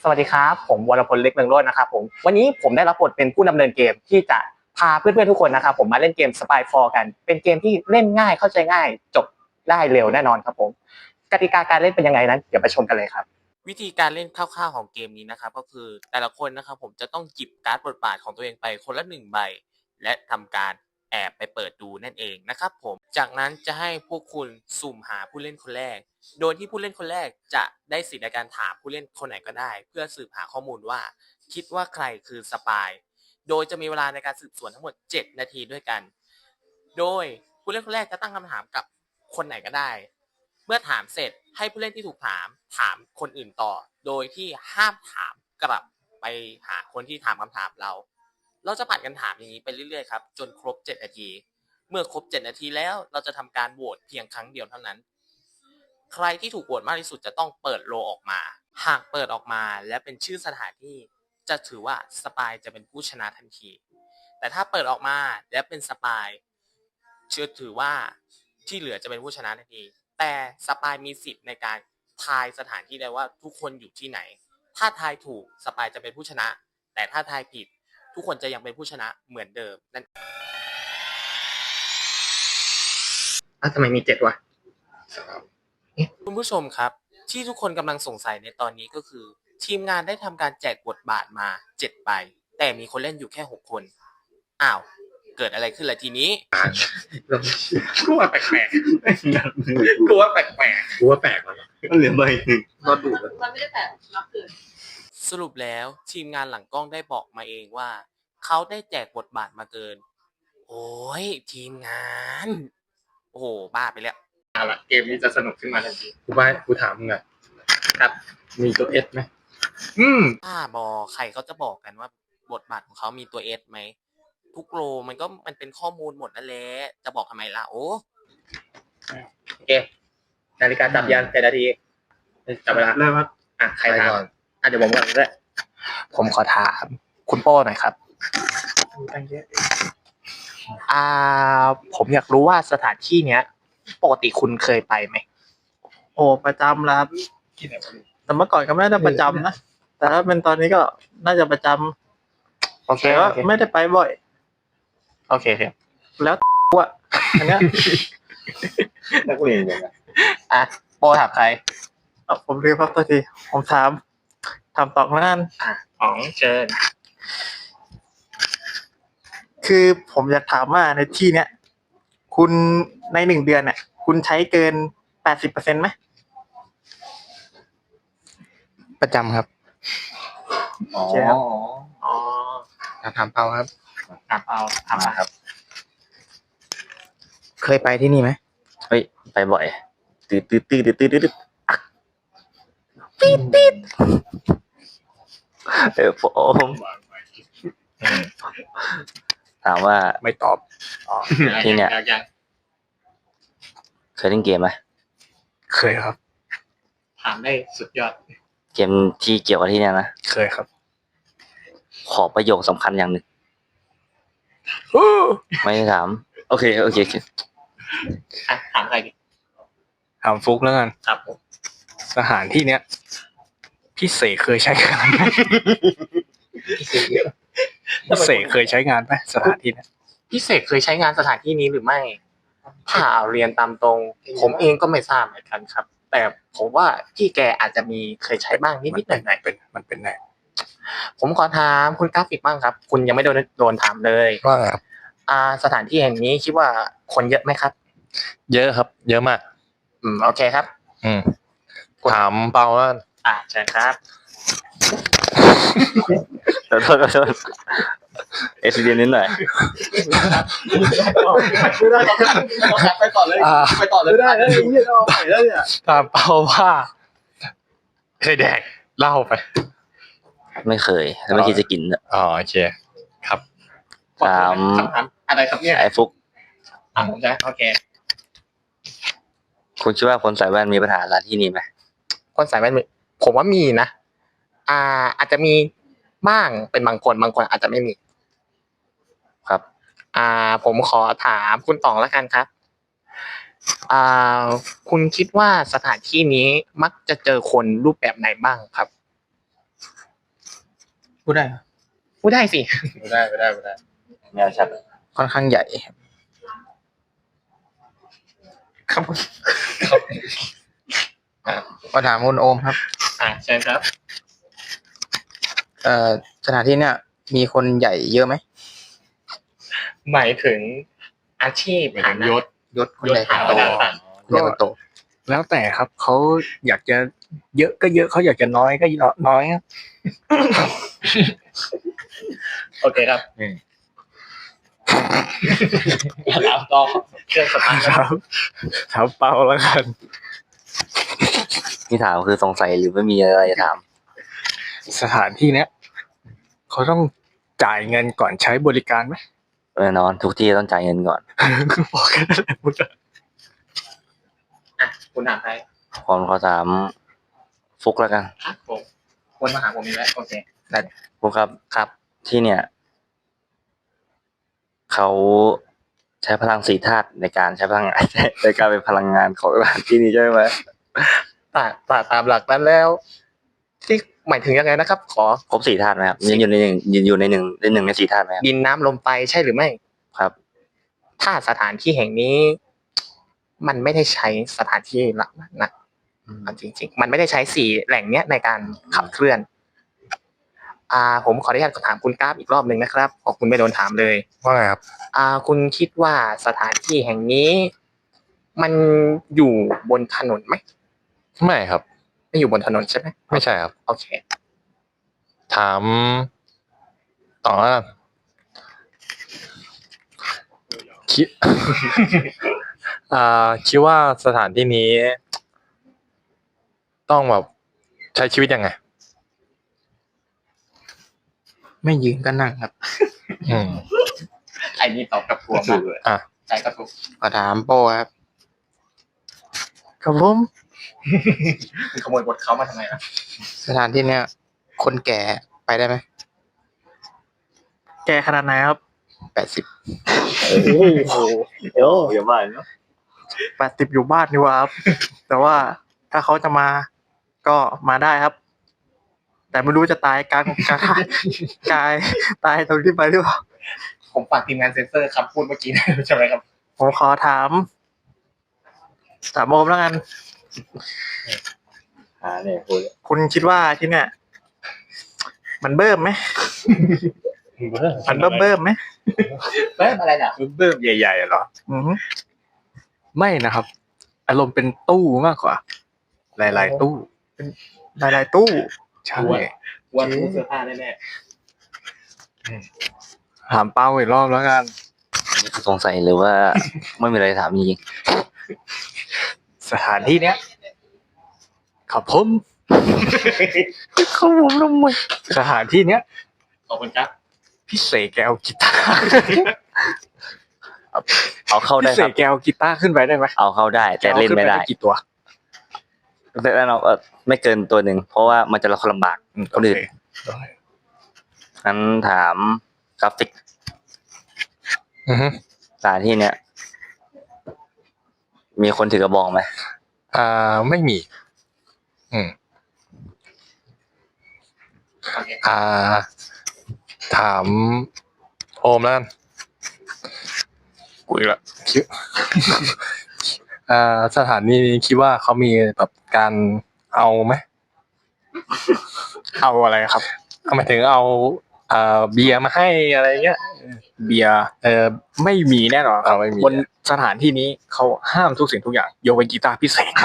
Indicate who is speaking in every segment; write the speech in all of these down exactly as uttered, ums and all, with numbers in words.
Speaker 1: สวัสดีครับผมวรพลเล็กเมืองโรจน์นะครับผมวันนี้ผมได้รับบทเป็นผู้ดำเนินเกมที่จะพาเพื่อนๆทุกคนนะครับผมมาเล่นเกม Spy โฟร์ กันเป็นเกมที่เล่นง่ายเข้าใจง่ายจบได้เร็วแน่นอนครับผมกติกาการเล่นเป็นยังไงนั้นเดี๋ยวไปชมกันเลยครับ
Speaker 2: วิธีการเล่นคร่าวๆของเกมนี้นะครับก็คือแต่ละคนนะครับผมจะต้องหยิบการ์ดบทบาทของตัวเองไปคนละหนึ่งใบและทำการแอบไปเปิดดูนั่นเองนะครับผมจากนั้นจะให้พวกคุณสุ่มหาผู้เล่นคนแรกโดยที่ผู้เล่นคนแรกจะได้สิทธิ์ในการถามผู้เล่นคนไหนก็ได้เพื่อสืบหาข้อมูลว่าคิดว่าใครคือสปายโดยจะมีเวลาในการสืบสวนทั้งหมดเจ็ดนาทีด้วยกันโดยผู้เล่นคนแรกจะตั้งคำถามกับคนไหนก็ได้เมื่อถามเสร็จให้ผู้เล่นที่ถูกถามถามคนอื่นต่อโดยที่ห้ามถามกลับไปหาคนที่ถามคำถามเราเราจะผัดกันถามอย่างนี้ไปเรื่อยๆครับจนครบเจ็ดนาทีเมื่อครบเจ็ดนาทีแล้วเราจะทำการโหวตเพียงครั้งเดียวเท่านั้นใครที่ถูกโหวตมากที่สุดจะต้องเปิดโลออกมาหากเปิดออกมาและเป็นชื่อสถานที่จะถือว่าสปายจะเป็นผู้ชนะทันทีแต่ถ้าเปิดออกมาและเป็นสปายเชื่อถือว่าที่เหลือจะเป็นผู้ชนะทันทีแต่สปายมีสิทธิ์ในการทายสถานที่ได้ว่าทุกคนอยู่ที่ไหนถ้าทายถูกสปายจะเป็นผู้ชนะแต่ถ้าทายผิดทุกคนจะยังเป็นผู้ชนะเหมือนเดิมนั่น
Speaker 1: อ้าวทำไมมีเจ็ดวะ
Speaker 2: คุณผู้ชมครับที่ทุกคนกำลังสงสัยในตอนนี้ก็คือทีมงานได้ทำการแจกบทบาทมาเจ็ดใบแต่มีคนเล่นอยู่แค่หกคนอ้าวเกิดอะไรขึ้นล่ะทีนี้
Speaker 1: กูว่าแปลกๆกูว่าแปลกๆกูว่าแปลกแล้วมันเหลือใบหนึ่งก็ดู
Speaker 3: มันไม่ได้แปลกนับเกิน
Speaker 2: สรุปแล้วทีมงานหลังกล้องได้บอกมาเองว่าเขาได้แจกบทบาทมาเกินโอ้ยทีมงานโอ้โหบ้าไปแล้ว
Speaker 1: เอาละเกมนี้จะสนุกขึ้นมาทันที
Speaker 4: กูว่ากูถามมึงอ่ะ
Speaker 1: ครับ
Speaker 4: มีตัวเอสไหม
Speaker 1: อืม
Speaker 2: บ้าบอใครเขาจะบอกกันว่าบทบาทของเขามีตัวเอสไหมทุกโลมันก็มันเป็นข้อมูลหมดนั่นแหละจะบอกทำไมล่ะโอ้
Speaker 1: โอเคนาฬิกาจับยันเจ็ดนาทีจับเวลา
Speaker 4: เริ่มครับ
Speaker 1: อ่ะใครถามอ่ะเดี๋ยวผมก่อนด้วยผมขอถามคุณโป้หน่อยครับอ่าผมอยากรู้ว่าสถานที่เนี้ยปกติคุณเคยไปไหม
Speaker 4: โอ้ประจำแล้วครับแต่เมื่อก่อนก็ไม่ได้ประจำนะแต่ถ้าเป็นตอนนี้ก็น่าจะประจำ
Speaker 1: โอเค
Speaker 4: แต่ว่าไม่ได้ไปบ่อย
Speaker 1: โอเคครับ
Speaker 4: แล้วอ่ะอันเนี้ย
Speaker 1: นักเรียนยังไงอ่ะโป้ถามใคร
Speaker 4: เอาผมเรียกพักตัวทีผมถามถามตอบงาน
Speaker 1: อ่ะอ๋องเชิญ
Speaker 4: คือผมอยากถามว่าในที่เนี้ยคุณในหนึ่งเดือนเนี่ยคุณใช้เกินแปดสิบเปอร์เซ็นต์ไหม
Speaker 5: ประจำครับ
Speaker 1: อ๋ออ๋อ
Speaker 5: ถามเปาครับ
Speaker 1: ถามเอาถามมาครับ
Speaker 5: เคยไปที่นี่ไหมเฮ้ยไปบ่อยตืดตืดตืดตืดตืดตืดตืดตืดเออผมถามว่า
Speaker 1: ไม่ตอบอ๋อ
Speaker 5: ที่เนี่ยเคยเล่นเกมไหม
Speaker 1: เคยครับถามได้สุดยอด
Speaker 5: เกมที่เกี่ยวกับที่เนี่ยนะ
Speaker 1: เคยครับ
Speaker 5: ขอประโยคสำคัญอย่างหนึ่งไม่ถามโอเคโอเค
Speaker 1: อ่ะถามใครดิ
Speaker 4: ถามฟุกแล้วกัน
Speaker 1: ครับ
Speaker 4: สถานที่เนี้ยพี่เสกเคยใช้งานไหมพี่เสกเคยใช้งานไหมสถานที่เนี้ย
Speaker 1: พี่เสกเคยใช้งานสถานที่นี้หรือไม่ถ้าเอาเรียนตามตรงผมเองก็ไม่ทราบเหมือนกันครับแต่ผมว่าพี่แกอาจจะมีเคยใช้บ้างนิดๆหน่อยๆ
Speaker 4: เป็นมันเป็นไง
Speaker 1: ผมขอถามคุณกราฟิกบ้างครับคุณยังไม่โดนโดนถามเลย
Speaker 4: ว่า
Speaker 1: อ่าสถานที่แห่งนี้คิดว่าคนเยอะไหมครับ
Speaker 4: เยอะครับเยอะมาก
Speaker 1: อืมโอเคครับ
Speaker 4: อืมถามเปาว่า
Speaker 1: อ่าเชิญครับ
Speaker 5: ขอโทษขอโทษเอสเดียนนิดหน่อย
Speaker 1: ไม่ได้ไปต่อเลยไปต่อเลย
Speaker 4: ไม่ได้แล้วนี่เราไปแล้วเนี่ยถามเปาว่าเคยแดกเล่าไป
Speaker 5: ไม่เคยแล้วไม่คิดจะกิน
Speaker 4: อ๋อโอเคครับ
Speaker 5: ถาม
Speaker 1: อะไรครับเนี่ย
Speaker 5: ไอ้ฟุก
Speaker 1: อ่ะผมจะโอเค
Speaker 5: คุณคิดว่าคนใส่แว่นมีปัญหาอะไรที่นี่ไหม
Speaker 1: คนใส่แว่นผมว่ามีนะอ่าอาจจะมีบ้างเป็นบางคนบางคนอาจจะไม่มี
Speaker 5: ครับ
Speaker 1: อ่าผมขอถามคุณต๋องแล้วกันครับอ่าคุณคิดว่าสถานที่นี้มักจะเจอคนรูปแบบไหนบ้างครับ
Speaker 4: พูดได้ครับ
Speaker 1: พูดได้สิ
Speaker 5: ไม่ได้ไม่ได้ไม่ได้แนวชัด
Speaker 4: ค่อนข้างใหญ่ครับครับมาถามคุณโอมครับ
Speaker 1: อ่าเชิญครับ
Speaker 4: เอ่อสถานที่เนี่ยมีคนใหญ่เยอะไหม
Speaker 1: หมายถึงอาชีพฐานะ
Speaker 6: ยศ
Speaker 4: ยศคนใหญ่คนโต
Speaker 1: ยศฐานะ
Speaker 4: คนใหญ่คนโต
Speaker 6: แล้วแต่ครับเขาอยากจะเยอะก็เยอะเขาอยากจะน้อยก็น้อยครับ
Speaker 1: โอเคครับแล้วก็เครื่องสตาร์ท
Speaker 6: ครับถามเปาแล้วกัน
Speaker 5: ที่ถามคือสงสัยหรือไม่มีอะไรจะถาม
Speaker 6: สถานที่เนี้ยเขาต้องจ่ายเงินก่อนใช้บริการไหม
Speaker 5: แน่นอนทุกที่ต้องจ่ายเงินก่อน
Speaker 6: คือบอกแค่นั้นแหละพูดเลย
Speaker 1: อ่ะคุณถามใคร
Speaker 5: ผมขอถามฟุกแล้วกัน
Speaker 1: อ่ะผมคนมาหาผมอีกแล้วโอเค
Speaker 5: ฟุกครับครับที่เนี่ยเขาใช้พลังสีธาตุในการใช้พลังงาน ในการเป็นพลังงานของสถานที่นี้ใช่ไหม
Speaker 1: ตาตาตามหลักนั้นแล้ว ที่หมายถึงยังไงนะครับ ขอ
Speaker 5: ครบสี่ธาตุไหมครับยืนอยู่ในหนึ่งยืนอยู่ในหนึ่งในหนึ่งในสี่ธาตุไหมครับ
Speaker 1: ดินน้ำลมไฟใช่หรือไม่
Speaker 5: ครับ
Speaker 1: ถ้าสถานที่แห่งนี้ มันไม่ได้ใช้สถานที่หลักนั้นนะเอาจริงๆ มันไม่ได้ใช้สี่แหล่งเนี้ยในการขับเคลื่อน อ่า ผมขออนุญาตถามคุณกราฟอีกรอบหนึ่งนะครับเพราะคุณไม่โดนถามเลย
Speaker 6: ว่าไงครับ
Speaker 1: อ่า คุณคิดว่าสถานที่แห่งนี้ มันอยู่บนถนนไหม
Speaker 6: ไม่ครับ
Speaker 1: ไม่อยู่บนถนนใช่ไหม
Speaker 6: ไม่ใช่ครับ
Speaker 1: โอเค
Speaker 6: ถามต่อว่าคิด อ่าคิดว่าสถานที่นี้ ต้องแบบใช้ชีวิตยังไง
Speaker 4: ไม่ยืนก็นั่งครับ
Speaker 6: อืม
Speaker 1: ไอ้นี่ตอบกับทัวร์มากเลย
Speaker 6: อ่ะ
Speaker 1: ใจกระตุก
Speaker 4: ขอถามโป้ครับครับผม
Speaker 1: คุณขโมยบทเขามาทำไมล่ะ
Speaker 4: สถานที่เนี่ย คนแก่ไปได้ไหม
Speaker 3: แกขนาดไหนครับ
Speaker 4: แปดสิบ
Speaker 5: โอ้โหเดี๋ยวอย่าบ้าเนาะ
Speaker 3: แปดสิบอยู่บ้านดีกว่าครับ แต่ว่าถ้าเขาจะมาก็มาได้ครับ แต่ไม่รู้จะตายกลางกลางกายตายตรงที่ไปหรือเปล่า
Speaker 1: ผมฝากทีมงานเซ็นเซอร์คำพูดเมื่อกี้ได้ใช่ไหมครับ
Speaker 3: ผมขอถามถามโอมแล้วกัน
Speaker 5: อ่าเนี่ยพูด
Speaker 3: คุณคิดว่าที่เนี่ย มันเบิ่มไหมมันเบิ่มเบิ่มไหม
Speaker 1: เบิ้มอะไรน่ะ
Speaker 6: เบิ่มใหญ่ๆเหรอ
Speaker 3: อือฮึ
Speaker 6: ไม่นะครับ อารมณ์เป็นตู้มากกว่า หลายๆตู้
Speaker 3: หลายๆตู้
Speaker 6: ใช่
Speaker 1: วันตู้เสื้อผ้าแน่
Speaker 6: ถามเป้าอีกรอบแล้วกัน
Speaker 5: สงสัยหรือว่าไม่มีอะไรถามจริง
Speaker 6: สถานที่เนี้ยครับผมเขาผมทำไมสถานที่เนี้ย
Speaker 1: ๆขอบคุณครับ
Speaker 6: พี่เสกแกเอากีตาร์
Speaker 5: ๆเอาเข้าได้
Speaker 6: พี่เส
Speaker 5: ครั
Speaker 6: ก
Speaker 5: บ
Speaker 6: แกเอากีตาร์ขึ้นไปได้ไหม
Speaker 5: เอาเข้าได้แต่เล่นไม่ได้
Speaker 6: อาขึ้ปกี่ตัว
Speaker 5: แต่แน่นอนเออไม่เกินตัวหนึ่งเพราะว่ามันจะลำบากคนอื่น
Speaker 6: โอเค
Speaker 5: งั้นถามกราฟิก
Speaker 6: อือฮึ
Speaker 5: สถานที่เนี้ยมีคนถือกระบองไหม
Speaker 6: อ่าไม่มี อืม
Speaker 1: โอเค
Speaker 6: อ่า ถามโอมแล้วกันกูอีกละคิด อ่าสถานีนี้คิดว่าเขามีแบบการเอาไหม เอาอะไรครับเอาหมายถึงเอาอ่าเบียร์มาให้อะไรเงี้ยเบียร์เออไม่มีแน่นอนครับไม่มีบนสถานที่นี้เขาห้ามทุกสิ่งทุกอย่างยกเว้นกีตาร์พิเศษ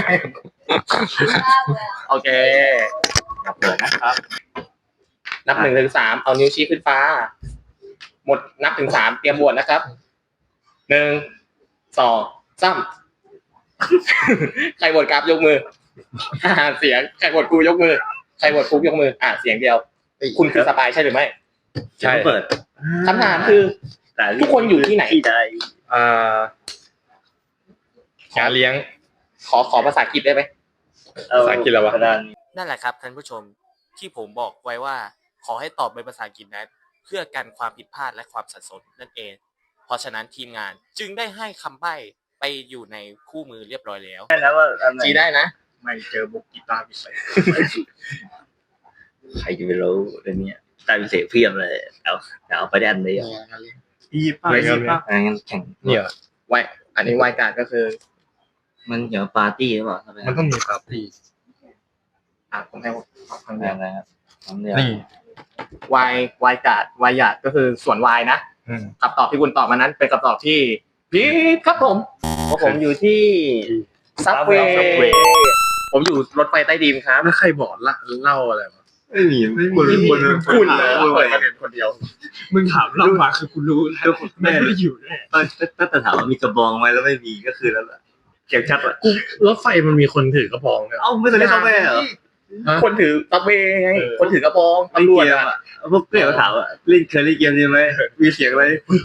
Speaker 1: โอเคนับเลยนะครับ นับหนึ่งถึงสามเอานิ้วชี้ขึ้นฟ้า หมดนับถึงสามเตรียมบวชนะครับหนึ่งสองสาม ใครบวชกราฟยกมือ อ่าเสียงใครบวชครูยกมือ ใครบวชครูยกมือ อ่าเสียงเดียว คุณคือสปายใช่หรือไม่
Speaker 6: ใช่
Speaker 5: เปิด
Speaker 1: คำถามคือ ทุกคนอยู่ที่ไหน
Speaker 5: ที่ใด
Speaker 6: อ่า งานเลี้ยง
Speaker 1: ขอขอภาษาอังกฤษได้ไหม
Speaker 6: ภาษาอังกฤษแล้ววะ
Speaker 2: นั่นแหละครับท่านผู้ชมที่ผมบอกไว้ว่า ขอให้ตอบเป็นภาษาอังกฤษนั้นเพื่อกันความผิดพลาดและความสับสนนั่นเอง เพราะฉะนั้นทีมงานจึงได้ให้คำใบ้ไปอยู่ในคู่มือเรียบร้อยแล้ว
Speaker 5: แล้วว่าอันไหน
Speaker 1: จีได้นะ
Speaker 6: ไม่เจอบุกกีตาร์พิเศษ
Speaker 5: ใครจะไปรู้เรื่องเนี้ยกลายเป็นเสียงเพียมเลยเอาเอาไปได้อันเดียว
Speaker 4: อียิปต์ป่ะอียิปต์ป่ะ
Speaker 5: อันนั้นแข่ง
Speaker 6: เนี่ย
Speaker 1: ไวอันนี้ไวการ์ดก็คือ
Speaker 5: มันเกี่ยวกับปาร์ตี้หรือเปล่าทำไม
Speaker 6: มันต้องมีปาร์ตี้
Speaker 1: อ่ะผมให้ตอบครั้งเดียว
Speaker 5: อะไรครับทำเดียว
Speaker 6: นี่
Speaker 1: ไวไวการ์ดไวหยาดก็คือส่วนวายนะ
Speaker 6: อืม
Speaker 1: คำตอบที่คุณตอบมานั้นเป็นคำตอบที่ผิดครับผมเพราะผมอยู่ที่ซับเวย์ผมอยู่รถไฟใต้ดินครับ
Speaker 6: แล้วใครบอกละเล่าอะไรวะ
Speaker 5: ไม่มี
Speaker 1: คุณคุณเลยเปิดประเด็นคนเดียว
Speaker 7: มึงถามเรามาคือกูรู้แล้วแม่ไม่อยู่แน่
Speaker 5: ถ้าแต่ถามว่ามีกระบองไหมแล้วไม่มีก็คือแล้วล่ะเขียนชัดอ่ะ
Speaker 6: กูรถไฟมันมีคนถือกระบองเนี่ย
Speaker 5: เอ้าไม่เคยเล่นเขาแม่เหรอ
Speaker 1: คนถือซับเวย์ไงคนถือกระบองตำรวจอะ
Speaker 5: พวกเพื่อนเขาถามว่าเล่นเคยเล่นเกมนี้ไหมมีเสียงอะไร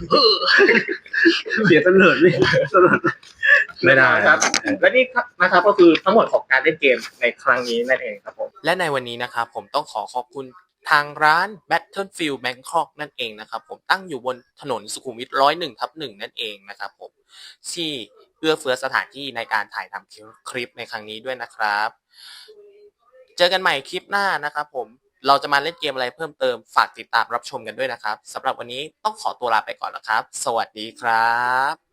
Speaker 5: เสียงตำรวจนี่ตำรวจ
Speaker 6: ไม่ได้
Speaker 1: ครับ และนี่นะครับก็คือทั้งหมดของการเล่นเกมในครั้งนี้นั่นเองครับผม
Speaker 2: และในวันนี้นะครับผมต้องขอขอบคุณทางร้าน Battlefield Bangkok นั่นเองนะครับผมตั้งอยู่บนถนนสุขุมวิทร้อยหนึ่งทับหนึ่งนั่นเองนะครับผมที่เอื้อเฟื้อสถานที่ในการถ่ายทำคลิปในครั้งนี้ด้วยนะครับ เจอกันใหม่คลิปหน้านะครับผมเราจะมาเล่นเกมอะไรเพิ่มเติมฝากติดตามรับชมกันด้วยนะครับสำหรับวันนี้ต้องขอตัวลาไปก่อนแล้วครับ สวัสดีครับ